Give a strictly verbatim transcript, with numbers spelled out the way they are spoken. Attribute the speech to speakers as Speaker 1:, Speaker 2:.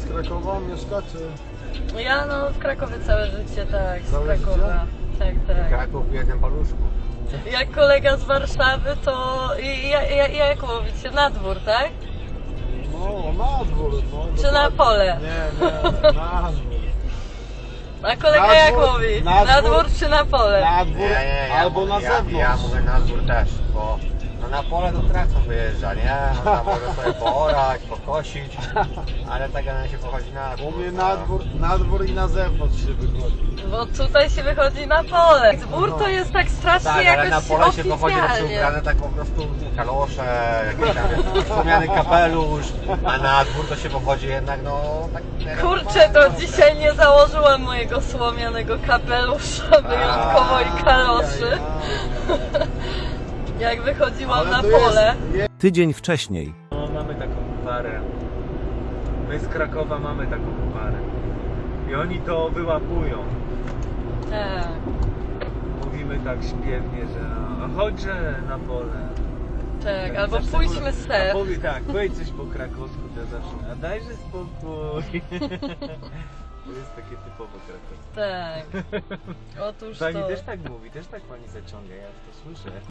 Speaker 1: z Krakowa mieszka, czy?
Speaker 2: Ja no w Krakowie całe życie, tak, z
Speaker 1: Całe
Speaker 2: Krakowa. Tak, tak.
Speaker 3: Kraków w jednym paluszku.
Speaker 2: Jak kolega z Warszawy, to i, ja, ja, jak mówicie, na dwór, tak?
Speaker 1: No, na dwór. No,
Speaker 2: Czy na
Speaker 1: dokładnie.
Speaker 2: pole?
Speaker 1: Nie, nie, na dwór.
Speaker 2: A kolega
Speaker 1: Na
Speaker 2: jak
Speaker 1: dwór,
Speaker 2: mówi?
Speaker 1: na
Speaker 2: Na
Speaker 1: dwór.
Speaker 2: dwór czy na pole?
Speaker 1: Na dwór,
Speaker 3: Nie, nie, ja
Speaker 1: albo
Speaker 3: mówię,
Speaker 1: na
Speaker 3: ja,
Speaker 1: zewnątrz.
Speaker 3: Ja mówię na dwór też, bo no na pole to traktor wyjeżdża, nie? Można może sobie poorać, pokosić, ale tak na się pochodzi na dwór.
Speaker 1: Mówię na dwór, na dwór i na zewnątrz się wychodzi.
Speaker 2: Bo tutaj się wychodzi na pole. Dwór to jest tak strasznie
Speaker 3: Tak, ale
Speaker 2: jakoś
Speaker 3: na pole się pochodzi na
Speaker 2: oficjalnie.
Speaker 3: ubrane tak po prostu kalosze, jakiś tam wspomniany kapelusz, a na dwór to się pochodzi jednak no tak...
Speaker 2: Kurczę, to dzisiaj nie założyłam mojego słomianego kapelusza, wyjątkowo i kaloszy. Jak wychodziłam
Speaker 1: Ale
Speaker 2: na
Speaker 1: tu jest-
Speaker 2: pole.
Speaker 1: jest-
Speaker 4: Tydzień wcześniej.
Speaker 5: No, mamy taką parę. My z Krakowa mamy taką parę. I oni to wyłapują.
Speaker 2: Tak.
Speaker 5: Mówimy tak śpiewnie, że a chodźże na pole.
Speaker 2: Tak, albo
Speaker 5: Zawsze
Speaker 2: pójdźmy
Speaker 5: powie-
Speaker 2: ser.
Speaker 5: A powie tak, powiedz coś po krakowsku, to zawsze, a dajże spokój. To jest takie typowo krakowskie.
Speaker 2: Tak. Otóż
Speaker 5: Pani
Speaker 2: to...
Speaker 5: też tak mówi, też tak pani zaciąga, ja to słyszę.